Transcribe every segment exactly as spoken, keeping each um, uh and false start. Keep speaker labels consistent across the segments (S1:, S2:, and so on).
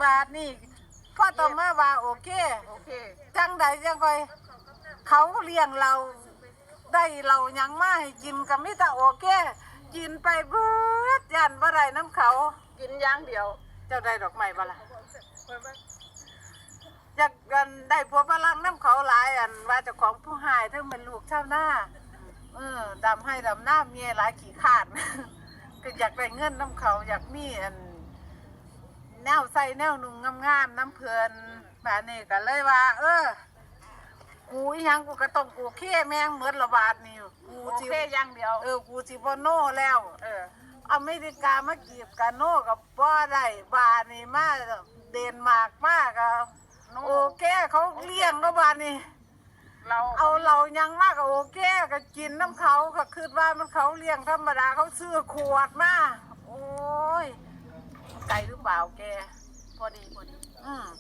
S1: บาทนี่พ่อต้องมาว่าโอเค
S2: โอเค
S1: จังใดจังค่อยเขาเลี้ยงเราได้เรายังมาให้กินก็มีแต่โอเคกินไปเบิดยันบ่ได้น้ำเขา
S2: กินอย่างเดียว
S1: เจ้าได้ดอกไม้บ่ล่ะอยากกันได้ผัวฝรั่งน้ำเขาหลายอันว่าเจ้าของผู้หายทั้งเป็นลูกชาวนาเออดำให้ดำหน้าเมียหลายขี้ขาด ก็อยากได้เงินน้ำเขาอยากมีอันแนวใส่แนวนุ่งงามๆน้ำเพลินแบบนี้ก็เลยว่า เออกูอีหยังกูก็ต้องกูเข้แมงเหมือนระบาดนี่กู
S2: โอ
S1: จิ
S2: เคอย่างเดียว
S1: เออกูจิบโน่แล้ว
S2: เออ
S1: อเมริกามากีบกันโน่กับบ่ได้บานี่มาเดนมาร์กมากอะโอเคเขาเลี้ยงระบาดนี่
S2: เรา
S1: เอาเรายังมากกับโอเคก็กินน้ำเขาก็คือว่ามันเขาเลี้ยงธรรมดาเขาซื้อขวดมาโอ้ยไก่หรือเปล่าแก
S2: พอดีพอดี
S1: อืม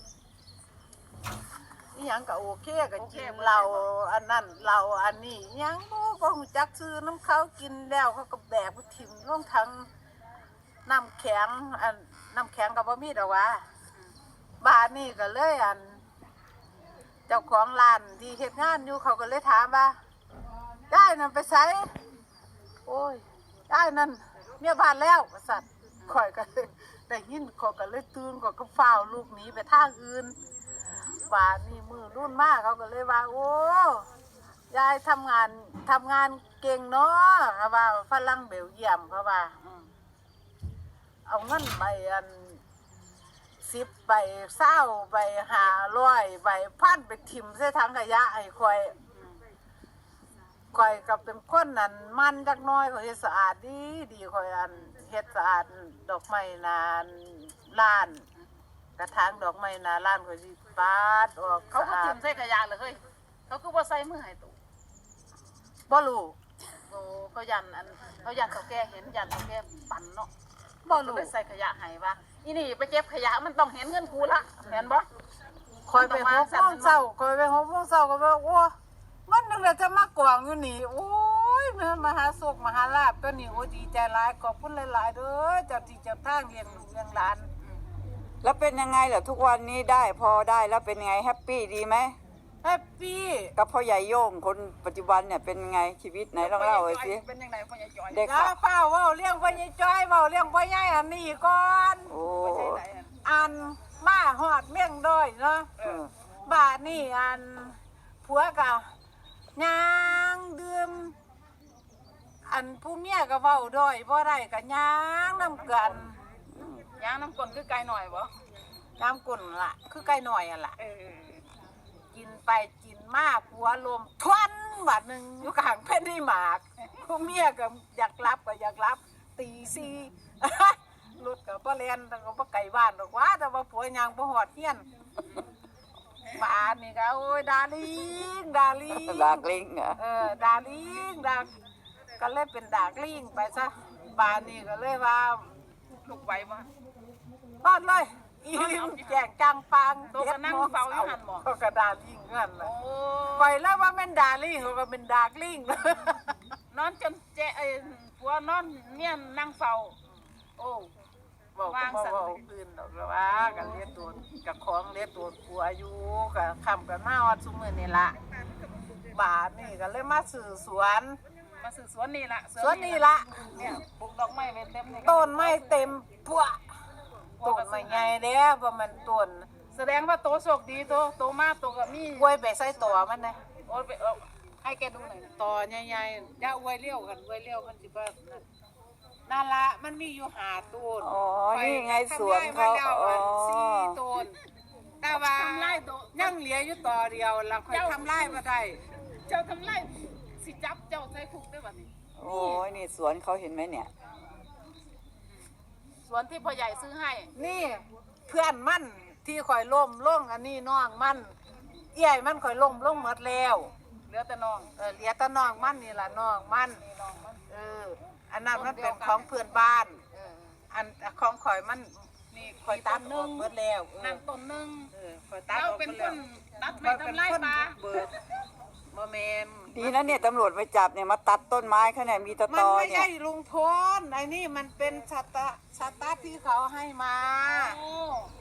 S1: นี่ยังก็โอเคก็กินเราอันนั้นเราอันนี้ยังบ่บ่ฮู้จักซื้อน้ำเขากินแล้วเขาก็แบกไปถิ่มลงทั้งน้ำแข็งอันน้ำแข็งก็บ่มีดอกว่าบ้านนี่ก็เลยอันเจ้าของร้านที่เฮ็ดงานอยู่เขาก็เลยถามว่าได้นั่นไปใช้โอ้ยได้นั่นเมียบ้านแล้วสัตว์ข่อยก็เลยได้ยินข่อยก็เลยตื่นข่อยก็ฟ้าวลูกหนีไปทางอื่นบ้านนี่มือรุ่นมากเขาก็เลยว่าโอ้ยายทำงานทำงานเก่งเนาะเขาว่าฝรั่งเบลเยียมเขาว่าเอาเงินไปอันสิบใบเศร้าใบหาร้อยใบพันไปถิ่มใส่ถังขยะไอ้คอยคอยกับเป็นคนนั้นมันจักน้อยเขาเฮ็ดสะอาดดีดีคอยอันเฮ็ดสะอาดดอกไม้นาล้านกระถางดอกไม้นาล้านคอยสิปาดออก
S2: เขาก็ถิ่มใส่ขยะเลยเฮ้ยเขาคือว่าใส่มือให้ตู่
S1: บ่รู้
S2: โอ้เขายันอันเขายันเขาแก่เห็นยันเขาแก่ปั่นเนาะ
S1: บ่รู้
S2: ไปใส่ขยะให้ว่าอีนี่ไปเก็บขยะมันต้องเห็นเงินกูละเห็นบ่
S1: คอยไปหกโมงเช้าคอยไปหกโมงเช้าก็ว่าโอ้มันนึกแล้วจะมากวางอยู่นี่โอ้ยแม่มหาโศกมหาลาภตัวนี้โอ้ดีใจหลายขอบคุณหลายๆเด้อเจ้าที่เจ้าทางเลี้ยงเลี้ยงหลาน
S3: แล้วเป็นยังไงเหรอทุกวันนี้ได้พอได้แล้วเป็นไงแฮปปี้ดีไหม
S1: แฮปปี้
S3: กับพ่อใหญ่โย่งคนปัจจุบันเนี่ยเป็นไงชีวิตไหนลองเล่าเลยสิ
S2: เป็นยังไงพ่อใหญ่จอย
S3: เด็ก
S1: ค่ะเฝ้าเว้าเลี้ยงพ่อใหญ่จ้อยเว้าเลี้ยงพ่อใหญ่อันนี้ก่อน
S3: โอ้
S1: อันมาฮอดเมี่ยงด้อยเนาะบ้านนี่อันผัวก็ย่างดื่มอันผู้เมียก็เว้าด้อยบ่ได้ก็ย่างนำกัน
S2: ย่างน้ำก้นคือไก่หน่อยบ่
S1: น้ำกุ่นล่ะคือไก่หน่อยอ่ะล่ะกินไปกินมาผัวลมทวนบาดหนึ่งอยู่กลางแผ่นดินหมากผู้เมียก็อยากรับก็อยากรับตีซีรถกับป้าเลียนแต่ก็ป้าไก่บ้านหรอกว่าแต่ว่าผัวยางป้าหอดเฮียนบ้านนี่ก็โอ้ยดาลิงดาลิง
S3: ดากลิงเหรอ
S1: เออดาลิงดาก็เลยเป็นดากลิงไปซะบ้านนี่ก็เลยว่า
S2: ลูกไว้บ่
S1: บ้านเลยอีแจกจังปัง
S2: ตัวก็นั่งเฝ้าอยู่หันหมอ
S1: ก็กระดาลิงนั่นแหละปล่อยแล้วว่าเป็นดาลิงเขาก็เป็นดากลิง
S2: นอนจนเจ๊ไอ้ผัวนอนเมียนนั่งเฝ้าโอ้
S1: บอกว่าบอกอื่นดอกแล้วว่ากันเลี้ยงตัวกับของเลี้ยงตัวผัวอยู่กับคำกันมาวัดสุมือนี่ละบาทนี่ก็เลยมาสื่อสวน
S2: มาสื่อสวนนี่ละ
S1: สวนนี่ละ
S2: เนี่ยปลูกดอกไม้เต็ม
S1: ต้นไม้เต็มพวกต้นไม้ใหญ่เด้อประมาณต้น
S2: แสดงว่าโตโชคดีโตโตมากโตกับมี
S1: กล้วยไปใส่ตัวมันนะ
S2: โอ้ไปให้แกดูหน่อย
S1: ต่อใหญ่ๆอย่าอวยเลี้ยวกันอวยเลี้ยวมันสิว่านั่นละมันมีอยู่หาต้น
S3: อ๋อนี่ไงสวนเขาอ๋อ
S1: สี่ต้นแต่ว่ายังเหลืออยู่ต่อเดียวเราค่อยทำไร่มาได้
S2: เจ้าทำไร่สิจับเจ้าใส่คุกได้แบบนี้
S3: โอ้ยนี่สวนเขาเห็นไหมเนี่ย
S2: สวนที่พ่อใหญ่ซื้อให้
S1: นี่เพื่อนมันที่คอยล่มล่งอันนี้น้องมันเอี่ยมันคอยล่มล่งหมดแล้ว
S2: เหลือแต่น้อง
S1: เออเหลือแต่น้องมันนี่ล่ะน้องมันเอออันนั้นมันเป็นของเพื่อนบ้านอันของข่อยมัน
S2: นี่
S1: ข่อยตัดนึงหมดแล้ว
S2: นั่นต้นนึง
S1: เออข่อยตัด
S2: เราเป็นคนตัดไม้ทำไร่ปลา
S1: เบิดบ่แม่น
S3: ดีนะเนี่ยตำรวจไปจับเนี่ยมาตัดต้นไม้เขาเนี่ยมีตะตอเนี่ยมันไม่ใช่
S1: ลุงพลไอ้นี่มันเป็นชะตาชะตาที่เขาให้มาไอ้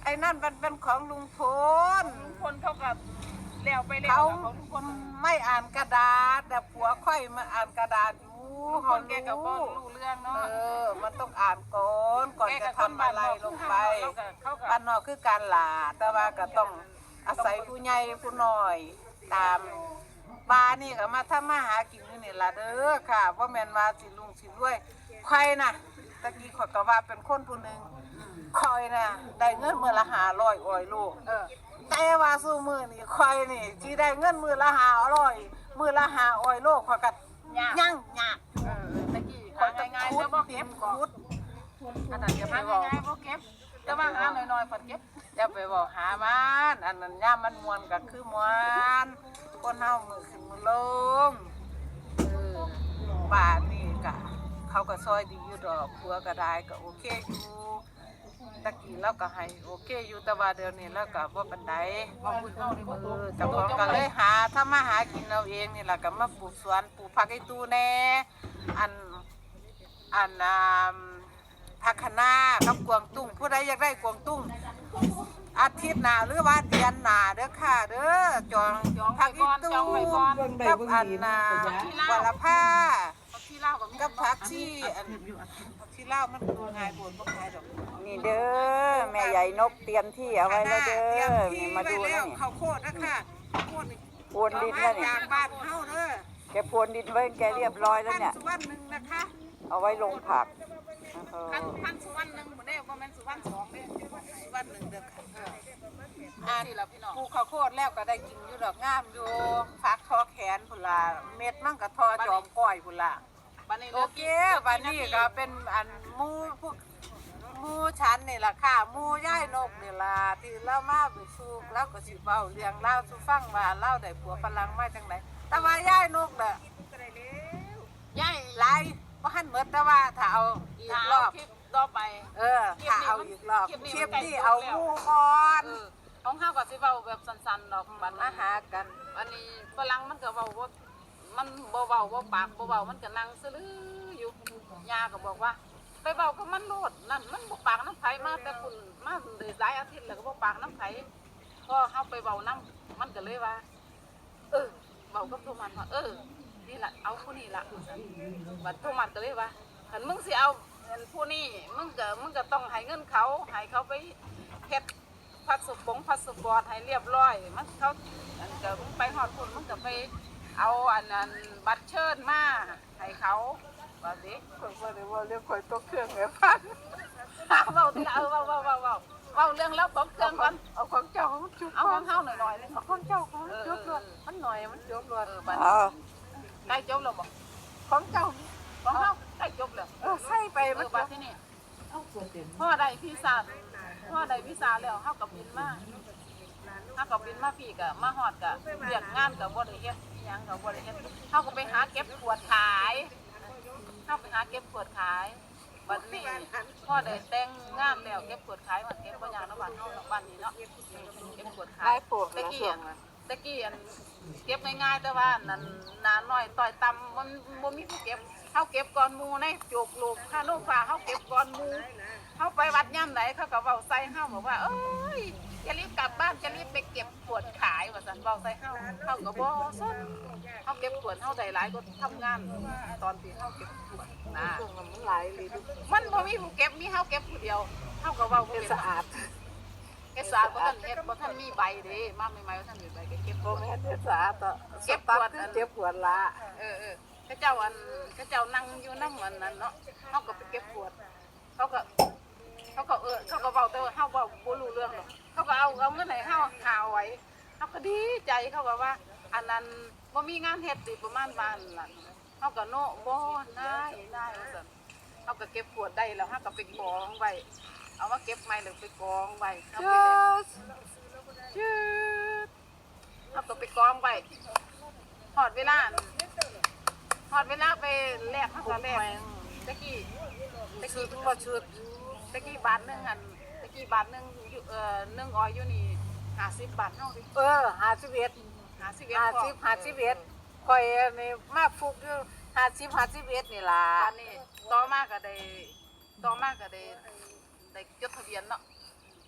S1: อ้นั่นมันเป็นของลุงพล
S2: ลุงพลเขากับแล้วไปแล้ว
S1: เขา
S2: ของลุงพล
S1: ไม่อ่านกระดาษแต่ผัวค่อยมาอ่านกระดาษอยู่
S2: ลุงพ
S1: เขา
S2: ลแกกับบ่
S1: รู้
S2: รู้เรื่อง
S1: เอ
S2: เนาะ
S1: อ มันต้องอ่านก่อนก่อน
S2: แก
S1: จะ
S2: กับคน
S1: ทำ
S2: บ้า
S1: อะ
S2: น
S1: ไร
S2: นอก
S1: ลงไป
S2: เขากับเขากับ
S1: บ้านนอกคือการหลาแต่ว่าก็ต้องอาศัยผู้ใหญ่ผู้น้อย ตามบ้านนี่ก็มาทำมาหากินอยู่นี่ล่ะเด้อค่ะว่าแม่นว่าสิลุงสิรวยใครน่ะตะกี้ข่อยก็ว่าเป็นคนผู้หนึงคอยน่ะได้เงินมื้อละห้าร้อยอ้อยลูก
S2: เออ
S1: แต่ว่าสู้มือนี่คอยนี่ที่ได้เงินมือละหาอร่อยมือละหาอ้อยโลกขอยกัด
S2: ยาก
S1: ยั่งยาก
S2: เออตะกี้
S1: คอ
S2: หาย
S1: จะ
S2: ง่ายๆ
S1: คุ
S2: จะ
S1: ด
S2: บ่
S1: เก็
S2: เก็
S1: บบ
S2: ก่อน
S1: คุดอันนั้นอย่าไป
S2: หา
S1: บอก
S2: ง่ายๆบ่เก็บแต่ว่าหาหน่อยๆเพิ่นเก็บ
S1: อย่าไปบอกหามันอันนั้นย่ามมันมวนก็คือมวนคนเฮามือขึ้นมือลงเออบ้านนี่ก็เขาก็ซอยดีอยู่ดอกผัวก็ได้ก็โอเคอยู่ตะกี้เราก็ให้โอเคอยู่แต่ว่าเดี๋ยวนี้เราก็บ่ปานใด
S2: บ่คุยเฮานี่บ่
S1: เอ
S2: รู้
S1: อเจ้าของก็เลยหาถ้ามาหากินเราเองนี่แหละก็มาปลูกสวนปลูกผักไอ้ตู้แน่อันอันอ่าผักคะน้ากับกวางตุ้งผู้ใดอยากได้กวางตุ้งอาทิตย์หน้าหรือว่าเดือนหน้าเด้อค่ะเด้อจอง
S2: จองไป
S1: ผัก
S2: ก่
S1: อี
S2: อนจ
S1: ตู้
S2: องไปก่อน
S1: กับอันน่ะวรผ้า
S2: ที่เล่าก็มี
S1: กับผักชีอันผักชีลาวมันดูง่ายปวดบ่ง่ายดอก
S3: นี่เด้อแม่ใหญ่นกเตรียมที่เอาไว้แล้วเด้
S1: ตรีย
S3: อ
S1: ที่
S3: นี่มาดู
S1: ไว้
S3: นะ
S1: แล้ว
S3: นี่
S1: ข้าวโพดนะคะข้าวโพดนี่
S3: โพรวนดินแล้วนี่
S1: จากบ้านเฮาเด้อ
S3: แกโพรวนดินไว้แกเรียบร้อยแล้วเนี่ย
S1: พัสุวรรณหนึ่งนะคะ
S3: เอาไว้ลงผักเออ
S2: พันพันสุวรรณหนึงบ่ได้บ่แม่นสุวรรณสองเด้
S1: สุวรรณหนึ่งเด้อค่ะ
S2: อ่าที่เราพี่น้อง
S1: ปลูกข้าวโพดแล้วก็ได้กินอยู่ดอกงามอยู่ฟักทอแขนพุ่นล่ะเม็ดมันก็ทอจอมก้อยพุ่นล่ะ
S2: บัดนี้
S1: โอเคบัดนี้ก็เป็นอันหมู่พวกหมู่ชั้นนี่ล่ะค่ะหมู่ย่ายนกนี่ล่ะที่เรามาไปสู่แล้วก็สิเว้าเรื่องเล่าวสู่ฟังว่าเล่าได้ผัวฝรั่งมาจังไดแต่ว่าย่ายนกน่ะ
S2: ยาย
S1: หลายบ่ทันหมดแต่ว่าถ้าเอาอีกรอบ
S2: คลิปต่อไป
S1: เออถ้าเอาอีกรอบ
S2: คลิปนี้
S1: คลิป
S2: มันใกล้
S1: นี้
S2: จบ
S1: เอา
S2: แล้ว
S1: หมู่ก่อน
S2: เออของเฮาก็สิเว้าแบบสั้นๆดอกบัด
S1: มา
S2: นี้
S1: หากัน
S2: อันนี้ฝรั่งมันก็เว้าบ่มันบ่เว้าบ่ปากบ่เว้ามันก็นั่งซื่ออยู่ย่าก็บอกว่า ไปเว้ากับมันโลดนั่นมันบ่ปากน้ำไผมาแต่คุณมาได้หลายอาทิตย์แล้วก็บ่ปากน้ำไผพอเฮาไปเว้านํมันก็เลยว่า เออเว้ากับโทมันว่าเออนี่ล่ะเอาผู้นี้ล่ะบัดโทมันก็เลยว่าคันมึงสิเอาอันผู้นี้มึงก็มึงก็ต้องให้เงินเขาให้เขาไปเฮ็ดพาสปงพาสปอร์ตให้เรียบร้อยมันเขาอันก็มึงไปฮอดพุ่นมึงก็ไปเอาอันนั้นบัตรเชิญมาให้เขาว่าสิ
S1: คนบ่ได้ว่าเรื่องข่อยตกเครื่องแม่พัน
S2: เว้าทีละเออเว้าเว้าเว้าเว้าเว้าเรื่องแล้วตกเครื่องก่อน
S1: เอาของเจ้ามันจุบ
S2: เอาของเฮาหน่อยๆเลย
S1: เอาของเจ้าของมันจุบรวดมันหน่อยมันจุบรวด
S2: เออบัด
S3: เอา
S2: ใกล้จบแล้วบ่
S1: ของเจ้า
S2: ของเฮาใกล้จบแล้ว
S1: เออใส่ไป
S2: เอ
S1: มัน
S2: อ
S1: จุ
S2: บัด
S1: บ
S2: ที่นี่พ่อได้พี่สาวพ่อได้พี่สาวแล้วเฮาก็บินมาเฮาก็บินมาพี่ก็มาฮอดก็เรียกงานก็บ่ได้เฮ็ดอิหยังก็บ่ได้เฮ็ดเฮาก็ไปหาเก็บขวดขายเฮาไปหาเก็บขวดขายบัดนี้พ่อได้แต่งงานแล้วเก็บขวดขายมันเก็บบ่ยากเนาะบ้านเฮาเนาะบ้านนี้เนาะเก็บขวดขา
S1: ได้
S2: ย
S1: ปลูก
S2: ตะ
S1: แล้ว
S2: กี้
S1: ช่ว
S2: อั
S1: ง
S2: น
S1: นั้น
S2: ตะกี้อันเก็บง่ายๆแต่ว่านั่นหนาน้อยต่อยต่ำมันบ่มีผู้เก็บเฮาเก็บก่อนหมู่ในโจกลูกค่าโรงฟ้าเฮาเก็บก่อนหมู่เฮาไปวัดย่ำไหนเขาก็เว้าใส่เฮาบอกว่าเอ้ยจะรีบกลับบ้านจะรีบไปเก็บขวดขายว่าซั่นเว้าใส่เฮาเฮาก็บ่สนเฮาเก็บขวดเฮาได้หลายก็ทำงานตอนที่เฮาเก็บขวดนะ
S1: ช่วงนั้นมันหลายเลยดู
S2: มันบ่มีผู้เก็บมีเฮาเก็บผู้เดียวเฮาก็เว้าบ่
S1: เป็น
S2: เป็น
S1: สะอาด
S2: เฮ็ดสะอาดบ่ทันเฮ็ดบ่ทันมีใบเด้มาใหม่ๆบ่ทันมีใบก็เก็บ
S1: บ่
S2: บ่
S1: แม่
S2: แม่
S1: น
S2: น
S1: เป็นสะอาดต่อ
S2: เก็บ
S1: ตั
S2: ปวด
S1: คือเจ็บปวดละ
S2: เออเออเขาเจ้าอันเขาเจ้านั่งอยู่น้ำมันนั้นเนาะเขาก็ไปเก็บขวดเขาก็เขาก็เออเขาก็เบาแต่ว่าเขาเบาบ่รู้เรื่องหรอกเขาก็เอาเอาเงินไหนเขาหาไว้เขาก็ดีใจเขาก็ว่า อันนั้นบ่มีงานเฮ็ดติประมาณบ้านนั่นเขาก็โน้บ่ได้ได้ว่าซั่นเขาก็เก็บขวดได้แล้วเขาก็ไปกองไว้เอามาเก็บใหม่แล้วไปกองไว้เขาไปเลยจืดเขาก็ไปกองไว้หอดเวลาหอดเวลาไปแลกเขาก็แลกตะกี้ตะกี้
S1: บ่ชุด
S2: ตะกี้บาทหนึงอันตะกี้บาทหนึงอยู่เอ่อหนึ่งออยอยู่นี่ห้าสิบบาทเท่าดิ
S1: เออห้าสิบเอ็ด
S2: ห้าสิบเอ็ด
S1: ห้า
S2: พอ
S1: สิบห้าสิบเอ็ดข่อยนี่มาฟุกอยู่ห้าสิบห้าสิบเอ็ดนี่ล่ะ
S2: ตอนนี้ต่อมาก็ได้ต่อมาก็ได้ได้จดทะเบียนเนาะ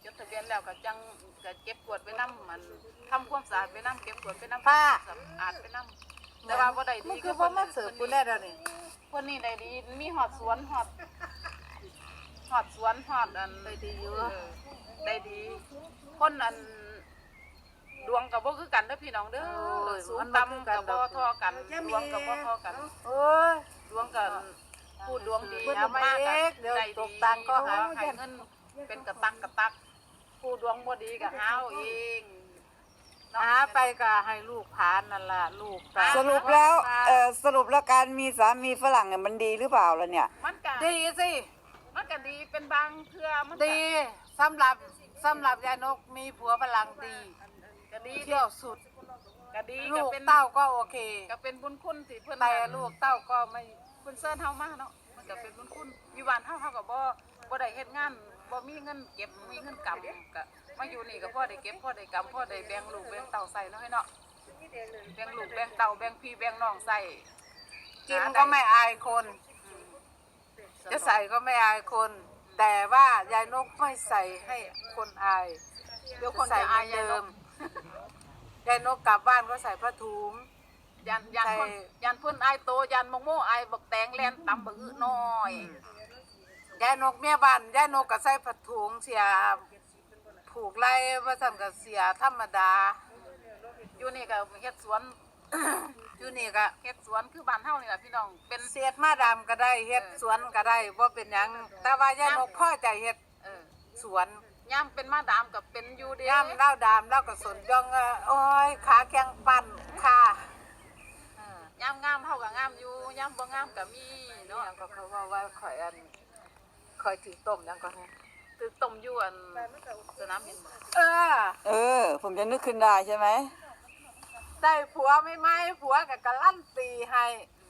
S2: จดทะเบียนแล้วก็จังก็เก็บกวาดไปนำมันทำความสะอาดไปนำเก็บกวาดไปนำ
S1: ป้า
S2: สะอาดไปนำแต่ว่าบ่ได้
S1: มึ
S2: ดี
S1: งคือบ่มาเสิร์ฟกูแน่เดี๋ยวนี้
S2: คนนี้ได้ดีมีหอดสวนหอดหอดสวนหอดอัน
S1: ได้ดีอยู่
S2: เออได้ดี คนอันดวงกับบ่คือกันเด้อพี่น้องเด้อสูงต่ำกับบ่เทอกันดวงกับบ่เทอกัน
S1: โอ้ย
S2: ดวงกันผู้ดวงดี
S1: เพิ่น
S2: เอา
S1: มา
S2: มา
S1: เอกเดี๋ยว
S2: ได้
S1: ต
S2: ดี
S1: กตังค์ก็หา
S2: ให้เงินเป็นกระตักกระตัก ผู้ดวงบ่ดีก็หาเอาเองเนาะ
S1: หาไปก็ให้ลูกผานนั่นล่ะลูกตา
S3: สรุปแล้วเออสรุปแล้วการมีสามีฝรั่งเนี่ยมันดีหรือเปล่าล่ะเนี่ย
S2: มันก็
S1: ดีสิ
S2: มันก็ดีเป็นบางเทื่อมันก็
S1: ดีสำหรับสำหรับยายนกมีผัวพลังดี
S2: ก็ดี
S1: เที่ยวสุด
S2: ก็ดี
S1: ลู
S2: ก็
S1: ก
S2: เป็น
S1: เต้าก็โอเค
S2: ก็เป็นบุญคุณที่เพิ่น
S1: แต่ลูกเต้าก็ไม่
S2: เพิ่นเชิญเฮามาเนาะมันก็เป็นบุญคุณอยู่บ้านเฮาเฮาก็บ่บ่ได้เฮ็ดงานบ่มีเงินเก็บมีเงินกำก็มาอยู่นี่ก็พอได้เก็บพอได้กำพอได้แบ่งลูกแบ่งเต้าใส่เนาะให้เนาะแบ่งลูกแบ่งเต้าแบ่งพี่แบ่งน้องใส่
S1: กินก็ไม่อายคน จะใส่ก็ไม่อายคน แต่ว่ายายนกไม่ใส่ให้คนอาย
S2: เดี๋ยวคน
S1: ใส่
S2: จะ
S1: เหมื
S2: อา
S1: อย น
S2: ยาย
S1: เดิ
S2: น
S1: ม
S2: ก
S1: ยายนกกลับบ้านก็ใส่ผ้าถุง
S2: ยันยัน
S1: ใส่
S2: คนยันเพิ่นอายโตยันมงโมอายบักแตงแลนตำบักอื้อน้อย
S1: ยายนกเมียบ้านยายนกก็ใส่ผ้าถุงเสียผูกไล่ว่าสั่นก็เสียธรรมดา
S2: อยู่นี่ก็เฮ็ดสวน
S1: อยู่นี่ก็
S2: เฮ็ดสวนคือบ้านเฮานี่ล่ะพี่น้องเป็น
S1: เสียดมาดำก็ได้เฮ็ดสวนก็ได้บ่เป็นหยังแต่ว่ายายนกพ่อใจเฮ็ด
S2: เออ
S1: สวน
S2: ย่ำเป็นมาดามกับเป็นอยู่เด้
S1: ย่ำเล่าดามเล่าก็สนย่องเอ่อโอ้ยขาแข็งปั่นค่ะ
S2: เออย่ำงามเฮาก็งามอยู่ย่ำบ่งามก็มี
S1: เนาะ
S2: เนาะ
S1: ก็เขาว่าว่าข่อยอันข่อยถือต้มยังก็ให้
S2: ตึกต้มอยู่อันสนามบินบ่
S1: เออ
S3: เออ ผมจะนึกขึ้นได้ใช่ไหม
S1: ได้ผัวไม่ไหมผัวกับกะลั่นตีให้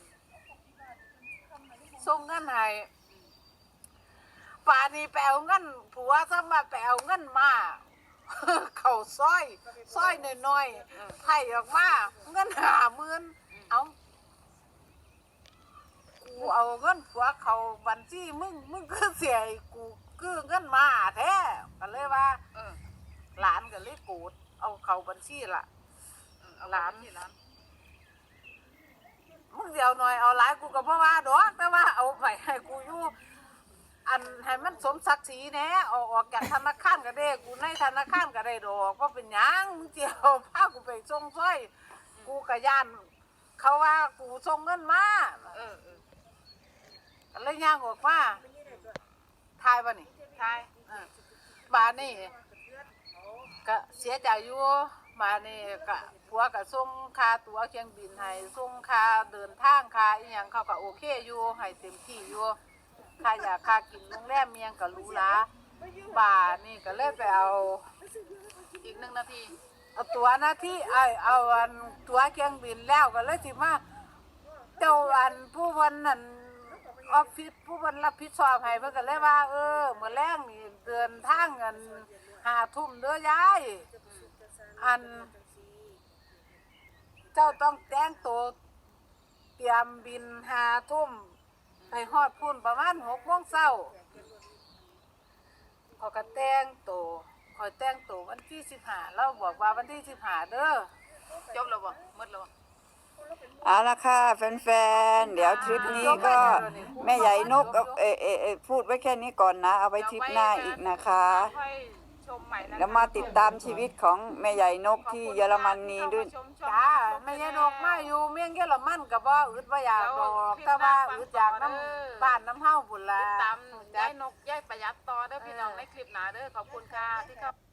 S1: ส่งเงินให้ป่านี้แปลเงินผัวซะมาแปลเงินมา เขาซอยซอยน้อยๆไถ่ออกมาเงินหาหมื่นเอากูเอาเงินผัวเขาบัญชีมึงมึงก็เสียให้กูคือเงินมาแท้ก็เลยว่า
S2: เออ
S1: หลานก็เลยโกรธเอาเขาบัญชีละ
S2: เอาหลานที่หลาน
S1: มึงเดียวหน่อยเอาหลายกูก็บ่ว่าดอกแต่ว่าเอาไปให้กูอยู่อันให้มันสมศักดิ์ศรีแหน่เอาออกจากธนาคารก็ได้กูในธนาคารก็ได้ดอกว่าเป็นหยังมึงเดียวพากูไปส่งซ้อยกูก็ย่านเขาว่ากูส่งเงินมา
S2: เออเออ
S1: ก็เลยย่างออกมาทายบ่นี่
S2: ทาย
S1: เออบาดนี่ก็เสียใจอยู่บาดนี่ก็ผัวก็ส่งค่าตั๋วเครื่องบินให้ส่งค่าเดินทางค่าอีหยังเขาก็โอเคอยู่ให้เต็มที่อยู่ค่าอยากค่ากินโรงแรมเมียงก็หรูหราบาดนี่ก็เลยไปเอา
S2: อีกหนึ่งนาที
S1: เอาตั๋วหน้าที่ไอเอาอันตั๋วเครื่องบินแล้วก็เลยสิมาเจ้าอันผู้เพิ่นนั่นออฟฟิศผู้เพิ่นรับผิดชอบให้เพิ่นก็เลยว่า เออมื้อแรงนี่เดินทางกันห้าทุ่มเด้อยายอัน เจ้าต้องแต่งตัวเตรียมบินห้าทุ่มไปฮอดพุ่นประมาณหกโมงเช้าขอยก็แต่งตัวขอยแต่งตัววันที่สิบห้าเราบอกว่าวันที่สิบห้าเด้อ
S2: จบแล้วบ่หมดแล้วบ่
S3: เอาละค่ะแฟนๆ เดี๋ยวทริปนี้ก็แม่ใหญ่นกเอาเออเออเออพูดไว้แค่นี้ก่อนนะ เอาไว้ทริปหน้าอีกนะคะ
S2: ค่อยชมใหม่นะคะ
S3: แล้วมาติดตามชีวิตของแม่ใหญ่นกที่เยอรมนีด้วย
S2: ชมชม
S1: จ้าไม่ยายนกมาอยู่เมียงเยอรมันก็บ่อึดบ่อยากดอกแต่ว่าอึดอยากน้ำบ้านน้ำเฮาพุ่นล่ะ
S2: ติดตามยายนกยายประหยัดต่อเด้อพี่น้องในคลิปหน้าเด้อขอบคุณค่ะที่เข้า